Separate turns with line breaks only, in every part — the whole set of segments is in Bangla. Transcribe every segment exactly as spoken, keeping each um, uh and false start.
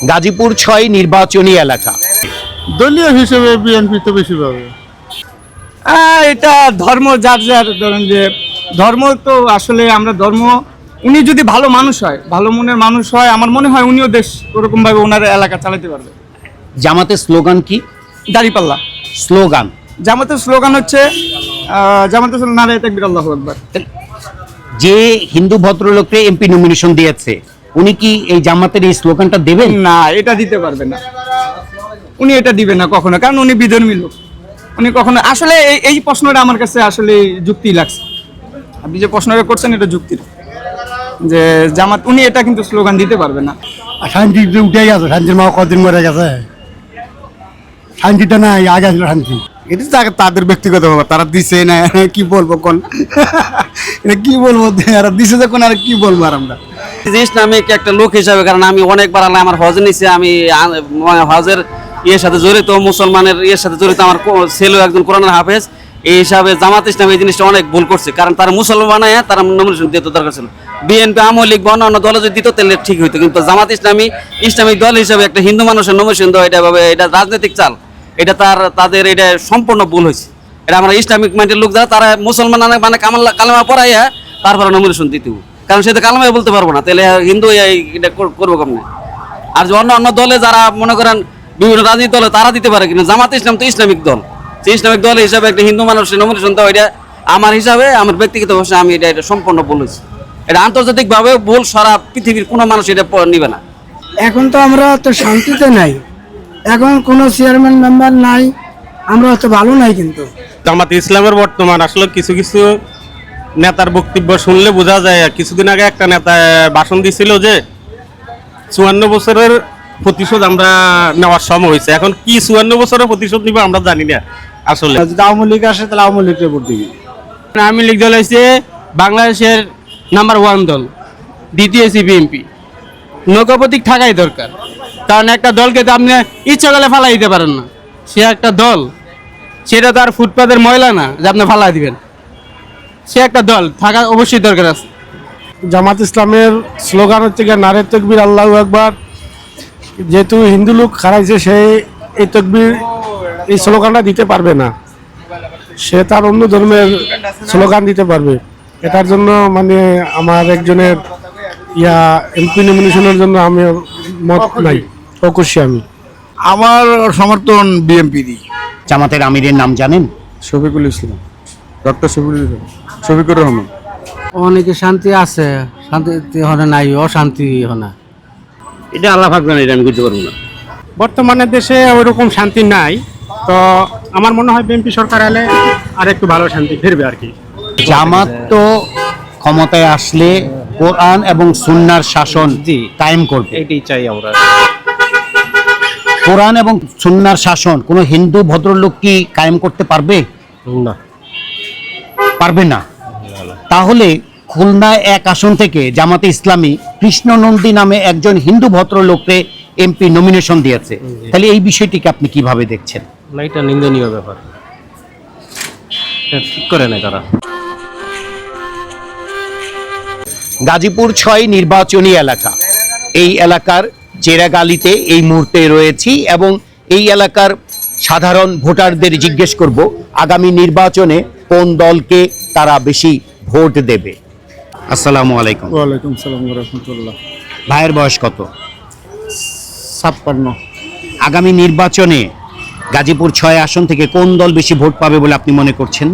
গাজীপুর ছয় নির্বাচনী এলাকা,
দলীয় হিসেবে বিএনপি তো বেশি পাবে।
এটা ধর্ম যার যার, ধরেন যে ধর্ম তো আসলে আমরা ধর্ম, উনি যদি ভালো মানুষ হয়, ভালো মনের মানুষ হয়, আমার মনে হয় উনিও দেশ ওরকম ভাবে ওনার এলাকা চালাতে পারবে।
জামাতের স্লোগান কি?
দাঁড়িপাল্লা
স্লোগান
জামাতের স্লোগান হচ্ছে আহ, জামাতের স্লোগান নারায়ে তাকবীর আল্লাহু আকবার।
যে হিন্দু ভদ্রলোককে এমপি নমিনেশন দিয়েছে উনি কি এই জামাতের এই স্লোগানটা দেবেন?
না, এটা দিতে পারবে না, উনি এটা দিবেন না কখনো, কারণ উনি বিধর্মী লোক। উনি কখনো আসলে এই এই প্রশ্নটা আমার কাছে আসলে যুক্তি লাগছে, আপনি যে প্রশ্নটা করছেন এটা যুক্তির, যে জামাত উনি এটা কিন্তু স্লোগান দিতে পারবে না।
শান্তি উঠে গেছে, শান্তির মা কদিন মরে গেছে, শান্তিটা নাই, আগে আসলে শান্তি। এটা তাদের ব্যক্তিগত ব্যাপার, তারা দিছে না, কি বলবো কোন এটা কি বলবো, আর দিছে যখন আর কি বলবো আর আমরা।
ইসলামিক একটা লোক হিসাবে, কারণ আমি অনেকবার আল্লাহ আমার হজ নিছে, আমি হজের ইয়ের সাথে জড়িত, মুসলমানের ইয়ের সাথে জড়িত, আমার ছেলে একজন কোরআনের হাফেজ, এই হিসাবে জামাত ইসলাম এই জিনিসটা অনেক ভুল করছে, কারণ তারা মুসলমান তারা নমিনেশন দিতে দরকার ছিল। বিএনপি আওয়ামী লীগ বা অন্যান্য দলে যদি দিত তাহলে ঠিক হইতো, কিন্তু জামাত ইসলামী ইসলামিক দল হিসাবে একটা হিন্দু মানুষের নমিনেশন দেওয়া, এটা ভাবে এটা রাজনৈতিক চাল, এটা তার তাদের এটা সম্পূর্ণ ভুল হয়েছে। এটা আমরা ইসলামিক মাইন্ডের লোক যারা, তারা মুসলমান মানে কামাল কালেমা পড়াইয়া তারপরে নমিনেশন দিতে, কারণ সে তো কালেমাই বলতে পারবো না, তাহলে হিন্দু এটা করবো কেমন। আর যে অন্য অন্য দলে যারা মনে করেন বিভিন্ন রাজনীতি দলে তারা দিতে পারে, কিন্তু জামাত ইসলাম তো ইসলামিক দল, সেই ইসলামিক দল হিসাবে একটা হিন্দু মানুষের নমিনেশন দেওয়া, এটা আমার হিসাবে, আমার ব্যক্তিগত ভাষায় আমি এটা এটা সম্পূর্ণ ভুল হয়েছে। এটা আন্তর্জাতিকভাবে ভুল, সারা পৃথিবীর কোনো মানুষ এটা নিবে না।
এখন তো আমরা তো শান্তিতে নাই, এখন কোনো চেয়ারম্যান মেম্বার নাই, আমরা তো ভালো নাই। কিন্তু
জামাত ইসলামের বর্তমান আসলে কিছু কিছু নেতার বক্তব্য শুনলে বোঝা যায়। কিছুদিন আগে একটা নেতা ভাষণ দিছিল যে চুয়ান্ন বছরের প্রতিশোধ আমরা নেওয়ার সময় হয়েছে, এখন কি চুয়ান্ন বছরের প্রতিশোধ নিব আমরা জানি না। আসলে
যদি আওয়ামী লীগ আসে তাহলে আওয়ামী লীগের ভোট দিবি।
আওয়ামী লীগ দল হয়েছে বাংলাদেশের নাম্বার ওয়ান দল, দ্বিতীয় হচ্ছে বিএনপি। নৌকা প্রতীক থাকাই দরকার, কারণ একটা দলকে তো আপনি ইচ্ছা করলে ফালাই দিতে পারেন না, সে একটা দল, সেটা তো আর ফুটপাতের ময়লা না যে আপনি ফালাই দিবেন, সে একটা দল থাকা অবশ্যই দরকার আছে।
জামাত ইসলামের স্লোগান হচ্ছে গিয়ে নারায়ে তাকবীর আল্লাহু আকবার। যেহেতু হিন্দু লোক হারাইছে, সে এই তাকবীর এই স্লোগানটা দিতে পারবে না, সে তার অন্য ধর্মের স্লোগান দিতে পারবে। এটার জন্য মানে আমার একজনের ইয়া এমপি নমিনেশনের জন্য আমি মত নাই, অকুশি আমি।
আমার সমর্থন বিএনপি দি।
জামাতের আমিরের নাম জানেন?
শফিকুল ইসলাম, ডক্টর শফিকুল ইসলাম, শফিকুর রহমান।
অনেকে শান্তি আছে, শান্তি হনে নাই, অশান্তি হনে।
এটা আল্লাহ পাক জানে, এটা আমি বুঝতে পারবো না।
বর্তমানে দেশে ওইরকম শান্তি নাই, তো আমার মনে হয় বিএনপি সরকার এলে আর একটু ভালো শান্তি ফিরবে আর কি।
জামাত তো ক্ষমতায় আসলে কোরআন এবং সুন্নাহর শাসন কায়েম করবে,
এটাই চাই আমরা।
কোরআন এবং সুন্নাহর শাসন কোন হিন্দু ভদ্রলোক কি কায়েম করতে পারবে?
না,
পারবে না। তাহলে খুলনা এক আসন থেকে জামাতে ইসলামী কৃষ্ণনন্দী নামে একজন হিন্দু ভদ্রলোককে এমপি নমিনেশন দিয়েছে, তাহলে এই বিষয়টিকে আপনি কিভাবে দেখছেন?
না, এটা নিন্দনীয় ব্যাপার, ঠিক করে নেয় তারা।
গাজীপুর ছয় নির্বাচনী এলাকা, এই এলাকার চেরাগালিতে এই মুহূর্তে রয়েছি এবং এই এলাকার সাধারণ ভোটারদের জিজ্ঞেস করব আগামী নির্বাচনে কোন দলকে তারা বেশি ভোট দেবে। আসসালামু আলাইকুম।
ওয়ালাইকুম সালাম ওয়া রাহমাতুল্লাহ।
ভাইয়ের বয়স কত?
ছাপ্পান্ন।
আগামী নির্বাচনে গাজীপুর ছয় আসন থেকে কোন দল বেশি ভোট পাবে বলে আপনি মনে করছেন?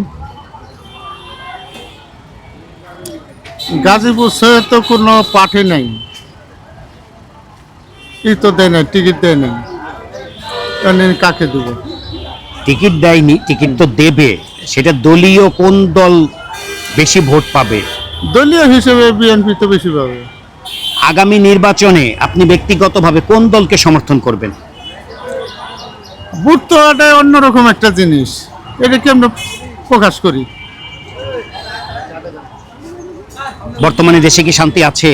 গাজীপুর শহরে তো কোনো পার্টি নেই, ই তো দেয় না, টিকিট দেয় না, কাকে দেবো?
টিকিট দেয়নি, টিকিট তো দেবে, সেটা দলীয় কোন দল বেশি ভোট পাবে?
দলীয় হিসেবে বিএনপি তো বেশি পাবে।
আগামী নির্বাচনে আপনি ব্যক্তিগতভাবে কোন দলকে সমর্থন করবেন?
ভোট তো এটা অন্যরকম একটা জিনিস, এটাকে আমরা প্রকাশ করি।
বর্তমানে দেশে কি শান্তি আছে?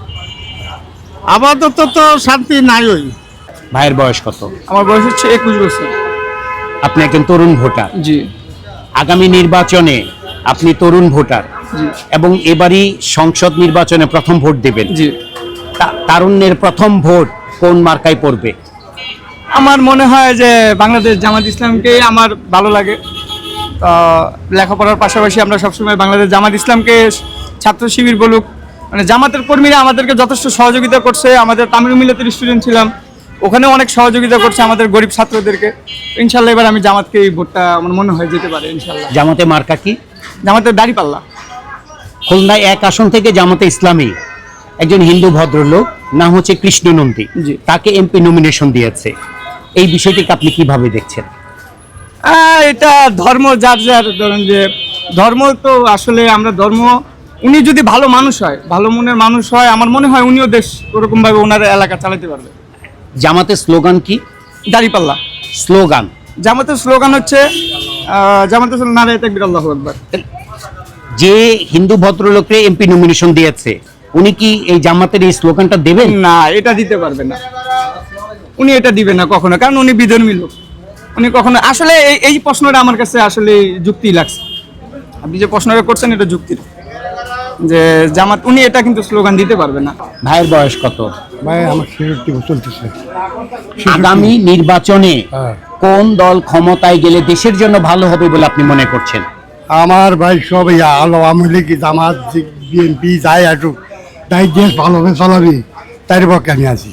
আপাতত তো শান্তি নাই। ওই
ভাইয়ের বয়স কত?
আমার বয়স হচ্ছে একুশ বছর।
আপনি একজন তরুণ ভোটার।
জি।
আগামী নির্বাচনে আপনি তরুণ ভোটার এবং এবারই সংসদ নির্বাচনে প্রথম ভোট দেবেন।
জি।
তারুণ্যের প্রথম ভোট কোন মার্কায় পড়বে?
আমার মনে হয় যে বাংলাদেশ জামাত ইসলামকে আমার ভালো লাগে। তো লেখাপড়ার পাশাপাশি আমরা সবসময় বাংলাদেশ জামাত ইসলামকে, ছাত্র শিবির বলুক, মানে জামাতের কর্মীরা আমাদেরকে যথেষ্ট সহযোগিতা করছে। আমাদের তামিল মিলাতের স্টুডেন্ট ছিলাম, ওখানে অনেক সহযোগিতা করছে আমাদের গরিব ছাত্রদেরকে। ইনশাল্লাহ এবার আমি জামাতকে এই ভোটটা আমার মনে হয় যেতে পারে ইনশাল্লাহ।
জামাতে মার্কা কি?
জামাতের দাঁড়িপাল্লা।
খুলনায় এক আসন থেকে জামাতে ইসলামী একজন হিন্দু ভদ্রলোক, নাম হচ্ছে কৃষ্ণ নন্দী,
জি।
তাকে এমপি নমিনেশন দিয়েছে। এই বিষয়টিকে আপনি কিভাবে দেখছেন?
আহ, এটা ধর্ম যার যার, ধরেন যে ধর্ম তো আসলে আমরা ধর্ম, উনি যদি ভালো মানুষ হয়, ভালো মনের মানুষ হয়, আমার মনে হয় উনিও দেশ ওরকম ভাবে ওনার এলাকা চালাতে পারবে।
জামাতের স্লোগান কি?
দাঁড়িপাল্লা।
স্লোগান
জামাতের স্লোগান হচ্ছে আহ, জামাতের স্লোগান নারায়ে তাকবীর আল্লাহু আকবার।
যে হিন্দু ভদ্রলোককে এমপি নমিনেশন দিয়েছে, উনি কি এই জামাতের এই স্লোগানটা দেবেন?
না, এটা দিতে পারবে না, উনি এটা দিবেন না কখনো, কারণ উনি বিধর্মী লোক। উনি কখনো আসলে এই- এই প্রশ্নটা আমার কাছে আসলে যুক্তি লাগছে। আপনি যে প্রশ্নটা করছেন এটা যুক্তির, যে জামাত উনি এটা কিন্তু স্লোগান দিতে পারবে না।
ভাইয়ের বয়স কত?
ভাই আমার ছেষট্টি বছর চলতেছে।
আগামী নির্বাচনে
হ্যাঁ।
কোন দল ক্ষমতায় গেলে দেশের জন্য ভালো হবে বলে আপনি মনে করছেন?
আমার ভাই সব আলো আওয়ামী লীগ জামাত বিএনপি যাই আসুক, তাই দেশ ভালোভাবে চলাবি, তাই পক্ষে আমি আছি।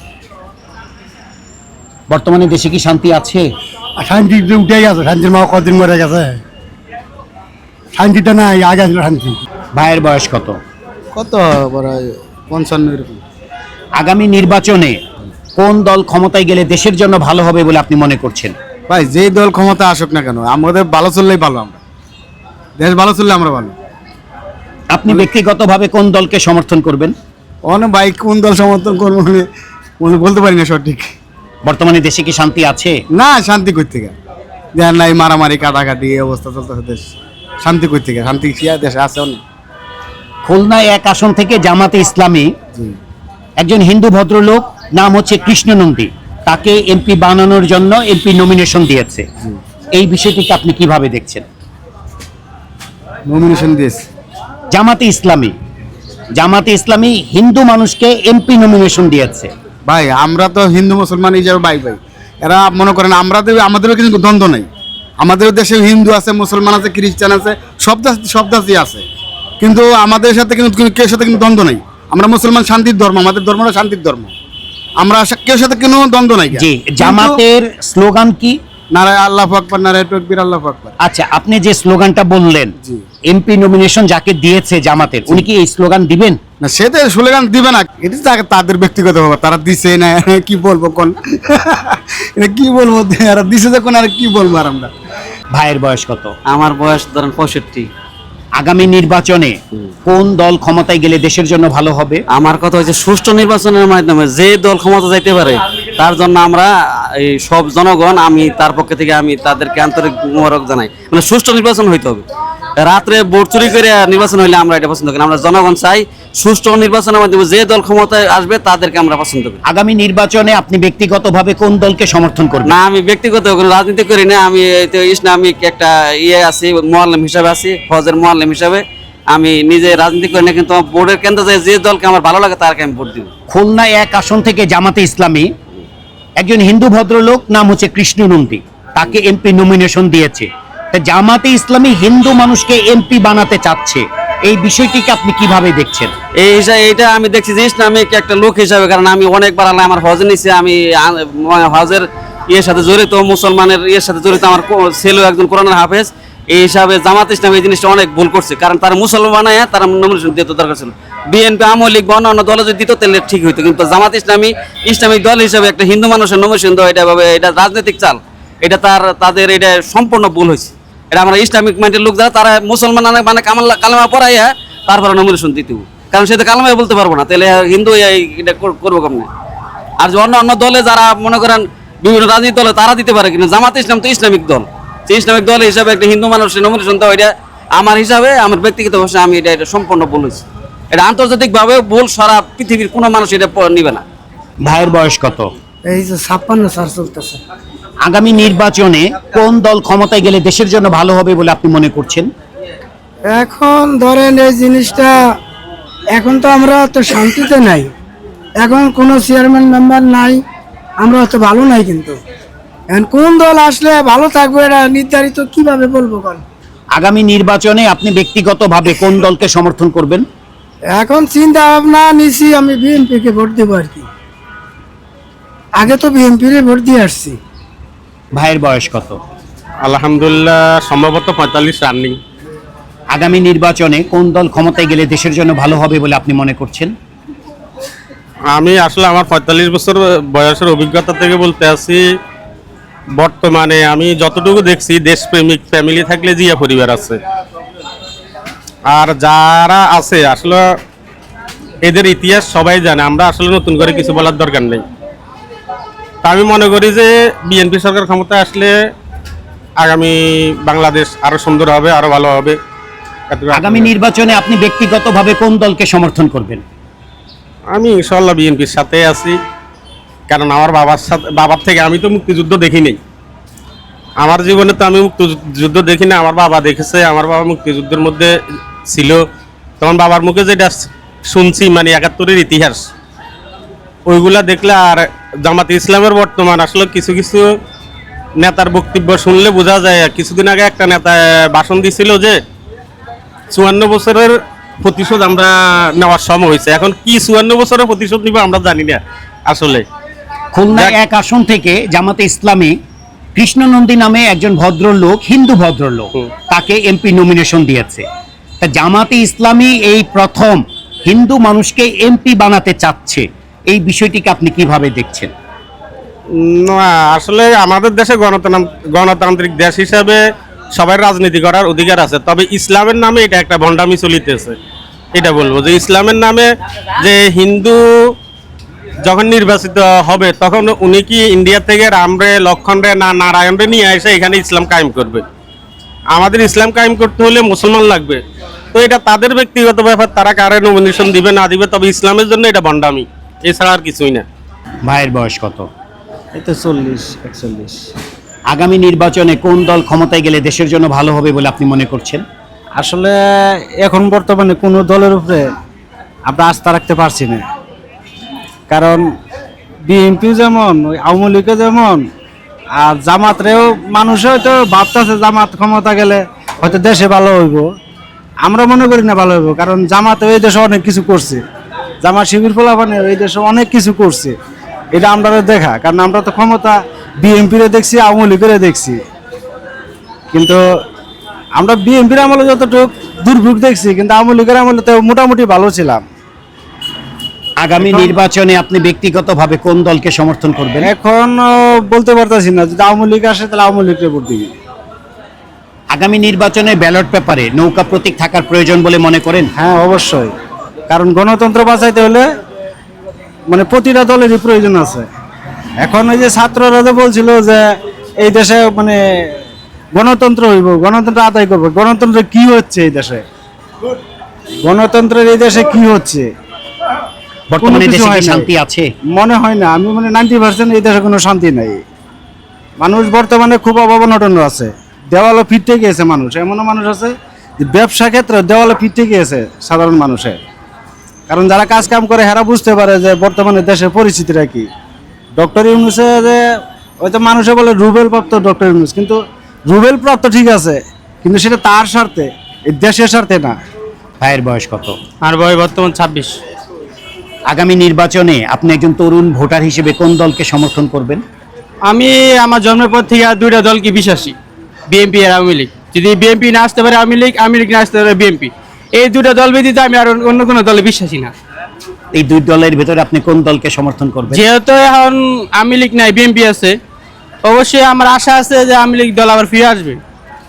বর্তমানে দেশে কি শান্তি আছে?
আর শান্তি তো উঠে গেছে, শান্তির মা কদিন মরে গেছে, শান্তিটা নাই, আগে ছিল শান্তি।
ভাইয়ের বয়স কত?
কত বড় পঞ্চান্ন এরকম।
আগামী নির্বাচনে কোন দল ক্ষমতায় গেলে দেশের জন্য ভালো হবে বলে আপনি মনে করছেন?
ভাই যেই দল ক্ষমতা আসুক না কেন, আমাদের ভালো চললেই ভালো, আমরা দেশ ভালো চললে আমরা ভালো।
আপনি ব্যক্তিগতভাবে কোন দলকে সমর্থন করবেন?
অনেক ভাই কোন দল সমর্থন করবো মানে বল- বলতে পারি না সঠিক।
বর্তমানে দেশে কি শান্তি আছে?
না, শান্তি করতে গা দেন নাই, মারামারি কাটাকাটি এই অবস্থা চলতেছে দেশ। শান্তি করতে গা, শান্তি কি আর দেশে আছে অনেক।
খুলনায় এক আসন থেকে জামাতে ইসলামী
জি।
একজন হিন্দু ভদ্রলোক, নাম হচ্ছে কৃষ্ণ নন্দী, তাকে এমপি বানানোর জন্য এমপি নমিনেশন দিয়েছে। এই বিষয়টিকে আপনি কিভাবে দেখছেন?
নমিনেশন দিয়েছে
জামাতে ইসলামী জামাতে ইসলামী হিন্দু মানুষকে এমপি নমিনেশন দিয়েছে।
ভাই, আমরা তো হিন্দু মুসলমান হিসাবে ভাই ভাই, এরা মনে করেন আমরা আমাদেরও কিন্তু দ্বন্দ্ব নাই। আমাদের দেশে হিন্দু আছে, মুসলমান আছে, খ্রিস্টান আছে, সব জাতি সব জাতি আছে, কিন্তু আমাদের সাথে কিন্তু কেউ সাথে কিন্তু দ্বন্দ্ব নাই। আমরা মুসলমান শান্তির ধর্ম, আমাদের ধর্মটা শান্তির ধর্ম, আমরা সা- কেউ সাথে কোনো দ্বন্দ্ব নাই।
জি, জামাতের স্লোগান কি?
নারায় আল্লাহু আকবার, নারায় তাকবীর, আল্লাহু আকবার।
আচ্ছা, আপনি যে স্লোগানটা বললেন,
জি।
এমপি নমিনেশন যাকে দিয়েছে জামাতের, উনি কি এই স্লোগান দিবেন?
না, সেটা স্লোগান দিবে না, এটা তা- তাদের ব্যক্তিগত ব্যাপার, তারা দিছে না কি বলবো কোন এটা কি বলবো, এরা দিছে যখন আর কি বলবো আর আমরা।
ভাইয়ের বয়স কত?
আমার বয়স ধরেন পঁয়ষট্টি।
আগামী নির্বাচনে কোন দল ক্ষমতায় গেলে দেশের জন্য ভালো হবে?
আমার কথা হচ্ছে সুষ্ঠু নির্বাচনের মাধ্যমে যে দল ক্ষমতা যাইতে পারে তার জন্য আমরা এই সব জনগণ, আমি তার পক্ষ থেকে আমি তাদেরকে আন্তরিক মোবারক জানাই। মানে সুষ্ঠু নির্বাচন হইতে হবে। রাত্রে ভোট চুরি করে নির্বাচন হইলে আমরা এটা পছন্দ করি না। আমরা জনগণ চাই সুষ্ঠু নির্বাচনের মাধ্যমে যে দল ক্ষমতায় আসবে তাদেরকে আমরা পছন্দ করি।
আগামী নির্বাচনে আপনি ব্যক্তিগতভাবে কোন দলকে সমর্থন করবেন?
না, আমি ব্যক্তিগত কোনো রাজনীতি করি না। আমি এই তো ইসলামিক একটা ইয়ে আছি, মোয়াল্লেম হিসাবে আছি, ফজের মোয়াল্লেম হিসাবে। আমি নিজে রাজনীতি করি না, কিন্তু আমার ভোটের কেন্দ্রে যায় যে দলকে আমার ভালো লাগে তারকে আমি ভোট দিব।
খুলনায় এক আসন থেকে জামাতে ইসলামী একজন হিন্দু ভদ্রলোক, নাম হচ্ছে কৃষ্ণ নন্দী, তাকে এমপি নমিনেশন দিয়েছে। তা জামাতে ইসলামী হিন্দু মানুষকে এমপি বানাতে চাচ্ছে, এই বিষয়টিকে আপনি কিভাবে দেখছেন?
এই হিসাবে এটা আমি দেখছি যে ইসলামিক একটা লোক হিসাবে, কারণ আমি অনেকবার আল্লাহ আমার হজ নিছি, আমি আ- মানে হজের ইয়ের সাথে জড়িত, মুসলমানের ইয়ের সাথে জড়িত, আমার কো- ছেলেও একজন কোরআনের হাফেজ। এই হিসাবে জামাত ইসলাম এই জিনিসটা অনেক ভুল করছে, কারণ তারা মুসলমান বানায় তারা নমিনেশন দিতে দরকার ছিল। বিএনপি, আওয়ামী লীগ বা অন্য দলে যদি দিত তাহলে ঠিক হইতো, কিন্তু জামাত ইসলামী ইসলামিক দল হিসাবে একটা হিন্দু মানুষের নমিনেশন দেওয়া, এটা ভাবে এটা রাজনৈতিক চাল, এটা তার তাদের এটা সম্পূর্ণ ভুল হয়েছে। এটা আমরা ইসলামিক মাইন্ডের লোক যারা, তারা মুসলমান মানে কামাল কালেমা পড়াইয়া তারপরে নমিনেশন দিতে হবে, কারণ সে তো কালেমাই বলতে পারবো না, তাহলে হিন্দু এই এটা কর- করবো কেমন? আর যে অন্য অন্য দলে যারা মনে করেন বিভিন্ন রাজনীতি দলে তারা দিতে পারে, কিন্তু জামাত ইসলাম তো ইসলামিক দল, সেই ইসলামিক দল হিসাবে একটা হিন্দু মানুষের নমিনেশন দেওয়া, এটা আমার হিসাবে, আমার ব্যক্তিগত ভাষায় আমি এটা এটা সম্পূর্ণ ভুল হয়েছে। এটা আন্তর্জাতিকভাবে ভুল, সারা পৃথিবীর কোনো মানুষ এটা প- নিবে না।
ভাইয়ের বয়স কত?
এই যে ছাপ্পান্ন সাল চলতেছে।
আগামী নির্বাচনে কোন দল ক্ষমতায় গেলে দেশের জন্য ভালো হবে বলে আপনি মনে করছেন?
এখন ধরেন এই জিনিসটা, এখন তো আমরা তো শান্তিতে নাই, এখন কোনো চেয়ারম্যান মেম্বার নাই, আমরা অত ভালো নাই কিন্তু এখন কোন দল আসলে ভালো থাকবে এটা নির্ধারিত কিভাবে বলবো কোন
আগামী নির্বাচনে আপনি ব্যক্তিগতভাবে কোন দলকে সমর্থন করবেন?
এখন চিন্তা ভাবনা নিছি আমি বিএনপি কে ভোট দেবো আর কি আগে তো বিএনপি রে ভোট দিয়ে আসছি
ভাইয়ের বয়স কত?
আলহামদুলিল্লাহ সম্ভবত পঁয়তাল্লিশ রানিং।
আগামী নির্বাচনে কোন দল ক্ষমতায় গেলে দেশের জন্য ভালো হবে বলে আপনি মনে করছেন?
আমি আসলে আমার পঁয়তাল্লিশ বছর বয়সের অভিজ্ঞতা থেকে বলতে আছি, বর্তমানে আমি যতটুকু দেখছি দেশপ্রেমিক ফ্যামিলি থাকলে জিয়া পরিবার আছে, আর যারা আছে আসলে এদের ইতিহাস সবাই জানে, আমরা আসলে নতুন করে কিছু বলার দরকার নেই। তা আমি মনে করি যে বিএনপি সরকার ক্ষমতায় আসলে আগামী বাংলাদেশ আরো সুন্দর হবে, আরো ভালো হবে।
আগামী নির্বাচনে আপনি ব্যক্তিগতভাবে কোন দলকে সমর্থন করবেন?
আমি ইনশাল্লাহ বিএনপির সাথে আছি, কারণ আমার বাবার সাথে বাবার থেকে আমি তো মুক্তিযুদ্ধ দেখি নাই, আমার জীবনে তো আমি মুক্তিযুদ্ধ দেখি না, আমার বাবা দেখেছে, আমার বাবা মুক্তিযুদ্ধের মধ্যে ছিল, তখন বাবার মুখে যেটা শুনছি মানে একাত্তরের ইতিহাস ওইগুলা দেখলে, আর জামাতে ইসলামের বর্তমান আসলে কিছু কিছু নেতার বক্তব্য শুনলে বোঝা যায়। কিছুদিন আগে একটা নেতা ভাষণ দিছিল যে চুয়ান্ন বছরের প্রতিশোধ আমরা নেওয়ার সময় হয়েছে, এখন কি চুয়ান্ন বছরের প্রতিশোধ নিব আমরা জানি না আসলে।
খুলনা এক আসন থেকে জামাতে ইসলামী কৃষ্ণনন্দী নামে একজন ভদ্রলোক, হিন্দু ভদ্রলোক, তাকে এমপি নমিনেশন দিয়েছে। তা জামাতে ইসলামী এই প্রথম হিন্দু মানুষকে এমপি বানাতে চাচ্ছে, এই বিষয়টিকে আপনি কিভাবে দেখছেন?
না, আসলে আমাদের দেশে গণতন্ত্র গণতান্ত্রিক দেশ হিসাবে সবাই রাজনীতি করার অধিকার আছে, তবে ইসলামের নামে এটা একটা ভণ্ডামি চলিতেছে। এটা বলবো যে ইসলামের নামে যে হিন্দু যখন নির্বাচিত হবে তখন উনি কি ইন্ডিয়া থেকে রামরে, লক্ষণরে না নারায়ণরে নিয়ে এসে এখানে ইসলাম কায়েম করবে? আমাদের ইসলাম কায়েম করতে হলে মুসলমান লাগবে। তো এটা তাদের ব্যক্তিগত ব্যাপার, তারা কারে নমিনেশন দিবে না দিবে, তবে ইসলামের জন্য এটা ভণ্ডামি, এছাড়া আর কিছুই না।
ভাইয়ের বয়স কত?
এই তো চল্লিশ একচল্লিশ।
আগামী নির্বাচনে কোন দল ক্ষমতায় গেলে দেশের জন্য ভালো হবে বলে আপনি মনে করছেন?
আসলে এখন বর্তমানে কোনো দলের উপরে আমরা আস্থা রাখতে পারছি না, কারণ বিএনপি যেমন, ওই আওয়ামী লীগও যেমন, আর জামাতরেও মানুষ হয়তো ভাবতেছে জামাত ক্ষমতা গেলে হয়তো দেশে ভালো হইব, আমরা মনে করি না ভালো হইব, কারণ জামাতে এই দেশে অনেক কিছু করছে, জামাত শিবির ফলাফানে এই দেশে অনেক কিছু করছে, এটা আমরা দেখা, কারণ আমরা তো ক্ষমতা বিএনপিরে দেখছি, আওয়ামী লীগের দেখছি, কিন্তু আমরা বিএনপির আমলে যতটুকু দুর্ভোগ দেখছি, কিন্তু আওয়ামী লীগের আমলে তো মোটামুটি ভালো ছিলাম।
আগামী নির্বাচনে আপনি ব্যক্তিগতভাবে কোন দলকে সমর্থন করবেন?
এখন আহ, বলতে পারতেছি না, যদি আওয়ামী লীগ আসে তাহলে আওয়ামী লীগকে ভোট দিবি।
আগামী নির্বাচনে ব্যালট পেপারে নৌকা প্রতীক থাকার প্রয়োজন বলে মনে করেন?
হ্যাঁ, অবশ্যই, কারণ গণতন্ত্র বাঁচাইতে হলে মানে প্রতিটা দলেরই প্রয়োজন আছে। এখন ওই যে ছাত্ররা যে বলছিল যে এই দেশে মানে গণতন্ত্র হইব, গণতন্ত্র আদায় করবো, গণতন্ত্র কি হচ্ছে এই দেশে? গণতন্ত্রের এই দেশে কি হচ্ছে?
বর্তমানে
কোনো কিছু
দেশে
হয়
কি
নাই।
শান্তি আছে?
মনে হয় না, আমি মানে নাইনটি পার্সেন্ট এই দেশে কোনো শান্তি নাই। মানুষ বর্তমানে খুব অভাব অনটন আছে, দেওয়ালে ফিরতে গিয়েছে মানুষ, এমনও মানুষ আছে যে ব্যবসা ক্ষেত্রে দেওয়ালে ফিরতে গিয়েছে সাধারণ মানুষের, কারণ যারা কাজ কাম করে হেরা বুঝতে পারে যে বর্তমানে দেশের পরিস্থিতিটা কি। ডক্টর ইউনূসে যে হয়তো মানুষে বলে রুবেল প্রাপ্ত ডক্টর ইউনূস, কিন্তু রুবেল প্রাপ্ত ঠিক আছে, কিন্তু সেটা তার স্বার্থে, এই দেশের স্বার্থে না।
ভাইয়ের বয়স কত?
আর বয়স বর্তমান ছাব্বিশ।
আগামী নির্বাচনে আপনি একজন তরুণ ভোটার হিসেবে কোন দলকে সমর্থন করবেন?
আমি আমার জন্মের পর থেকে আর দুইটা দলকে বিশ্বাসী, বিএনপি আর আওয়ামী লীগ। যদি বিএনপি না আসতে পারে আওয়ামী লীগ, আওয়ামী লীগ না আসতে পারে বিএনপি, এই দুটা দল ব্যতীত আমি আর অন্য কোনো দলে বিশ্বাসী না।
এই দুই দলের ভেতরে আপনি কোন দলকে সমর্থন করবেন?
যেহেতু এখন আওয়ামী লীগ নাই, বিএনপি আছে, অবশ্যই আমার আশা আছে যে আওয়ামী লীগ দল আবার ফিরে আসবে।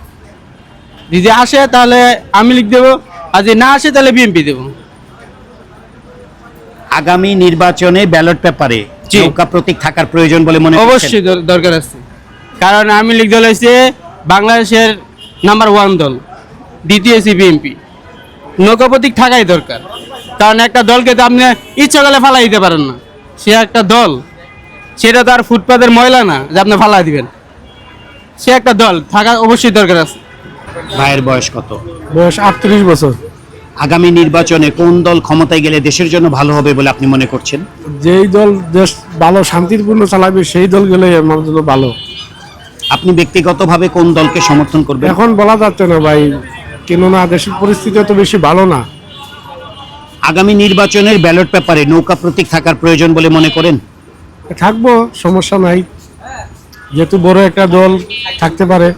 যদি আসে তাহলে আওয়ামী লীগ দেবো, আর যদি না আসে তাহলে বিএনপি দেবো।
আগামী নির্বাচনে ব্যালট পেপারে
জি।
নৌকা প্রতীক থাকার প্রয়োজন বলে মনে করছেন?
অবশ্যই দর- দরকার আছে, কারণ আওয়ামী লীগ দল হচ্ছে বাংলাদেশের নাম্বার ওয়ান দল, দ্বিতীয় হচ্ছে বিএনপি। নৌকা প্রতীক থাকাই দরকার, কারণ একটা দলকে তো আপনি ইচ্ছা করলে ফালাই দিতে পারেন না, সে একটা দল, সেটা তো আর ফুটপাতের ময়লা না যে আপনি ফালাই দিবেন, সে একটা দল থাকা অবশ্যই দরকার আছে।
ভাইয়ের বয়স কত?
বয়স আটত্রিশ বছর।
আগামী নির্বাচনে কোন দল ক্ষমতায় গেলে দেশের জন্য ভালো হবে বলে আপনি মনে করছেন?
যেই দল দেশ ভালো শান্তিপূর্ণ চালাবে সেই দল গেলে আমার জন্য ভালো।
আপনি ব্যক্তিগতভাবে কোন দলকে সমর্থন করবেন?
এখন বলা যাচ্ছে না ভাই, কেননা দেশের পরিস্থিতি তো বেশি ভালো না।
আগামী নির্বাচনের ব্যালট পেপারে নৌকা প্রতীক থাকার প্রয়োজন বলে মনে করেন?
থাকবো, সমস্যা নাই, যেহেতু বড় একটা দল থাকতে পারে।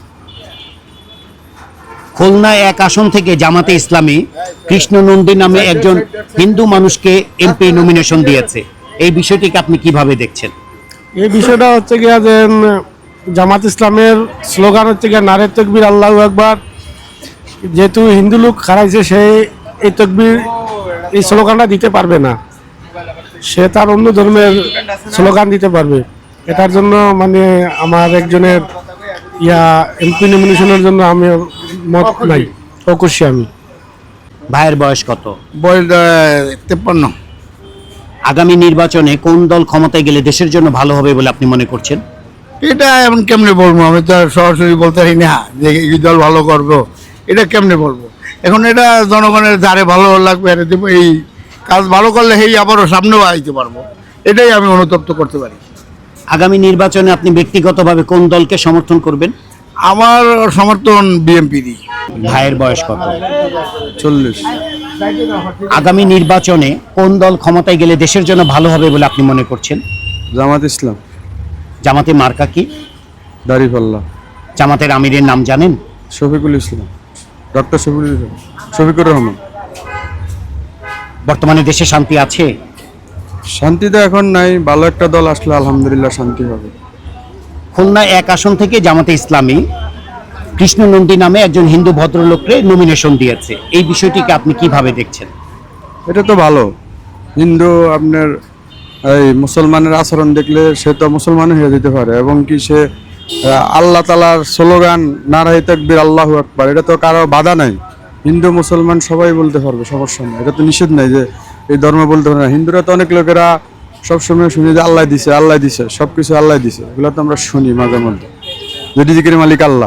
খুলনা এক আসন থেকে জামাতে ইসলামী কৃষ্ণ নন্দী নামে একজন হিন্দু মানুষকে এমপি নমিনেশন দিয়েছে, এই বিষয়টিকে আপনি কিভাবে দেখছেন?
এই বিষয়টা হচ্ছে গিয়া যে উম, জামাত ইসলামের স্লোগান হচ্ছে গিয়া নারে তকবীর আল্লাহু আকবার। যেহেতু হিন্দু লোক হারাইছে, সে এই তকবীর এই স্লোগানটা দিতে পারবে না, সে তার অন্য ধর্মের স্লোগান দিতে পারবে। এটার জন্য মানে আমার একজনের ইয়া এমপি নমিনেশনের জন্য আমি মত নাই, অকুশি আমি।
ভাইয়ের বয়স কত?
বয়স তেপ্পান্ন।
আগামী নির্বাচনে কোন দল ক্ষমতায় গেলে দেশের জন্য ভালো হবে বলে আপনি মনে করছেন?
এটা এমন কেমনে বলবো, আমি তো আর সরাসরি বলতে পারি না যে এই দল ভালো করবো, এটা কেমনে বলবো। এখন এটা জনগণের যারে ভালো লাগবে এটা দেবো, এই কাজ ভালো করলে সেই আবারও সামনেও আইতে পারবো, এটাই আমি অনুতপ্ত করতে পারি।
আগামী নির্বাচনে আপনি ব্যক্তিগতভাবে কোন দলকে সমর্থন করবেন?
আমার সমর্থন বিএনপিরই।
ভাইয়ের বয়স কত?
চল্লিশ।
আগামী নির্বাচনে কোন দল ক্ষমতায় গেলে দেশের জন্য ভালো হবে বলে আপনি মনে করছেন?
জামাত ইসলাম,
জামাতে মার্কা কি?
দাড়িপাল্লা।
জামাতের আমিরের নাম জানেন?
শফিকুল ইসলাম, ডক্টর শফিকুল ইসলাম, শফিকুর রহমান।
বর্তমানে দেশে শান্তি আছে?
শান্তি তো এখন নাই, ভালো একটা দল আসলে আলহামদুলিল্লাহ শান্তি হবে।
খুলনা এক আসন থেকে জামাতে ইসলামী কৃষ্ণ নন্দী নামে একজন হিন্দু ভদ্রলোককে নমিনেশন দিয়েছে, এই বিষয়টিকে আপনি কিভাবে দেখছেন?
এটা তো ভালো। হিন্দু আপনার এই মুসলমানের আচরণ দেখলে সে তো মুসলমান হয়ে যেতে পারে, এবং কি সে আহ, আল্লাহ তালার স্লোগান নারায়ে তাকবীর আল্লাহু আকবার, এটা তো কারো বাধা নাই। হিন্দু মুসলমান সবাই বলতে পারবে, সমস্যা নেই, এটা তো নিষেধ নাই যে এই ধর্ম বলতে পারে না। হিন্দুরা তো অনেক লোকেরা সবসময় শুনি যে আল্লাহ দিছে আল্লাহ দিছে সব কিছু আল্লাহ দিছে, এগুলো তো আমরা শুনি মাঝে মধ্যে, যে রিজিকের মালিক আল্লাহ।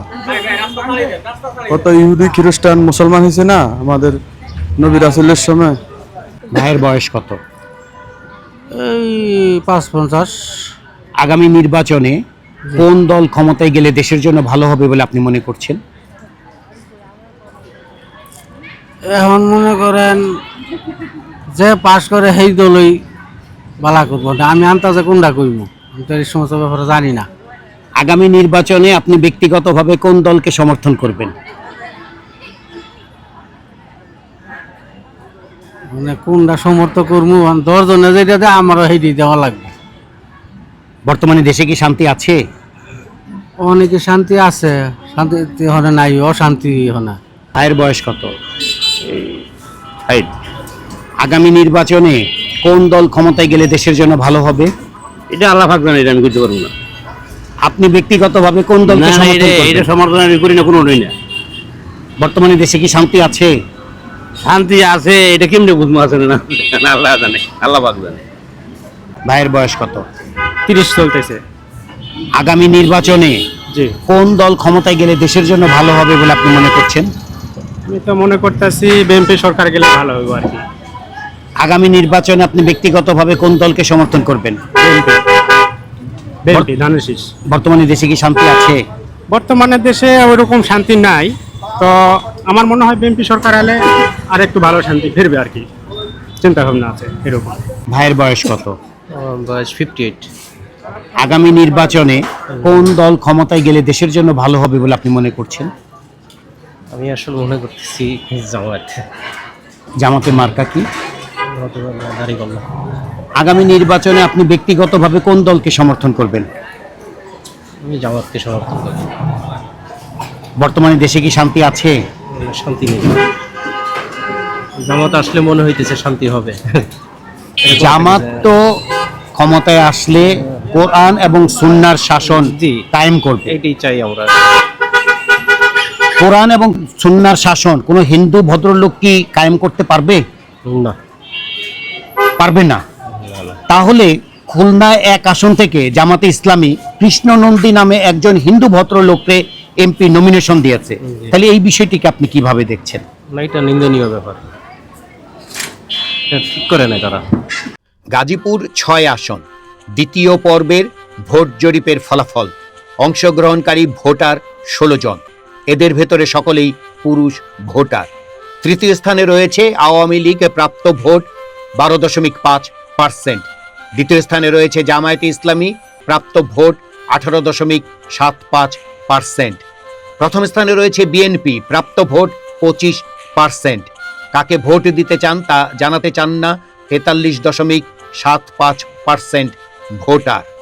কত ইহুদি খ্রিস্টান মুসলমান হয়েছে না আমাদের নবী রাসূলের সময়।
ভাইয়ের বয়স কত?
এই পাঁচ পঞ্চাশ।
আগামী নির্বাচনে কোন দল ক্ষমতায় গেলে দেশের জন্য ভালো হবে বলে আপনি মনে করছেন?
এখন মনে করেন যে পাশ করে সেই দলই বালা করবো না, আমি আন্তাজে কোনটা করবো, আমি তো এই সমস্ত ব্যাপারে জানি না।
আগামী নির্বাচনে আপনি ব্যক্তিগতভাবে কোন দলকে সমর্থন করবেন?
মানে কোনটা সমর্থ করবো, দশজনে যেটা দেয় আমারও সেইটি দেওয়া লাগবে।
বর্তমানে দেশে কি শান্তি আছে?
অনেকে শান্তি আছে, শান্তি হনে নাই, অশান্তি হনে।
ভাইয়ের বয়স কত? ষাট। আগামী নির্বাচনে কোন দল ক্ষমতায় গেলে দেশের জন্য ভালো হবে?
এটা আল্লাহ পাক জানে, এটা আমি বুঝতে পারবো না।
আপনি ব্যক্তিগতভাবে কোন দলকে সমর্থন করবেন?
এটা সমর্থন আমি করি না, কোনো না।
বর্তমানে দেশে কি শান্তি আছে?
শান্তি আছে, এটা কেমনে বুঝবো আছে না, আল্লাহ জানে, আল্লাহ পাক জানে।
ভাইয়ের বয়স কত?
তিরিশ চলতেছে।
আগামী নির্বাচনে
জি,
কোন দল ক্ষমতায় গেলে দেশের জন্য ভালো হবে বলে আপনি মনে করছেন?
আমি তো মনে করতেছি বিএনপি সরকার গেলে ভালো হবে আর কি।
আগামী নির্বাচনে আপনি ব্যক্তিগতভাবে কোন দলকে সমর্থন করবেন?
বিএনপি ধানের শীষ।
বর্তমানে দেশে কি শান্তি আছে?
বর্তমানে দেশে ওইরকম শান্তি নাই, তো আমার মনে হয় বিএনপি সরকার এলে আর একটু ভালো শান্তি ফিরবে আর কি, চিন্তা ভাবনা আছে এরকম।
ভাইয়ের বয়স কত?
বয়স ফিফটি এইট।
আগামী নির্বাচনে কোন দল ক্ষমতায় গেলে দেশের জন্য ভালো হবে বলে আপনি মনে করছেন?
আমি আসলে মনে করতেছি জামাত।
জামাতে মার্কা কি?
দাড়িপাল্লা।
আগামী নির্বাচনে আপনি ব্যক্তিগতভাবে কোন দলকে সমর্থন করবেন?
আমি জামাতকে সমর্থন করি।
বর্তমানে দেশে কি শান্তি আছে?
শান্তি নেই, জামাত আসলে মনে হইতেছে শান্তি হবে।
জামাত তো ক্ষমতায় আসলে কোরআন এবং সুন্নাহর শাসন
জি
কায়েম করবে,
এটাই চাই আমরা।
কোরআন এবং সুন্নাহর শাসন কোনো হিন্দু ভদ্রলোক কি কায়েম করতে পারবে?
না,
পারবে না। তাহলে খুলনা এক আসন থেকে জামাতে ইসলামী কৃষ্ণ নন্দী নামে একজন হিন্দু ভদ্রলোককে এমপি নমিনেশন দিয়েছে, তাহলে এই বিষয়টিকে আপনি কিভাবে দেখছেন?
না, এটা নিন্দনীয় ব্যাপার, এটা ঠিক করে নেয় তারা।
গাজীপুর ছয় আসন, দ্বিতীয় পর্বের ভোট জরিপের ফলাফল। অংশগ্রহণকারী ভোটার ষোলো জন, এদের ভেতরে সকলেই পুরুষ ভোটার। তৃতীয় স্থানে রয়েছে আওয়ামী লীগ, প্রাপ্ত ভোট বারো দশমিক পাঁচ পার্সেন্ট। দ্বিতীয় স্থানে রয়েছে জামায়াতে ইসলামী, প্রাপ্ত ভোট আঠারো দশমিক সাত পাঁচ পার্সেন্ট। প্রথম স্থানে রয়েছে বিএনপি, প্রাপ্ত ভোট পঁচিশ পার্সেন্ট। কাকে ভোট দিতে চান তা জানাতে চান না তেতাল্লিশ দশমিক সাত পাঁচ পার্সেন্ট ভোটার।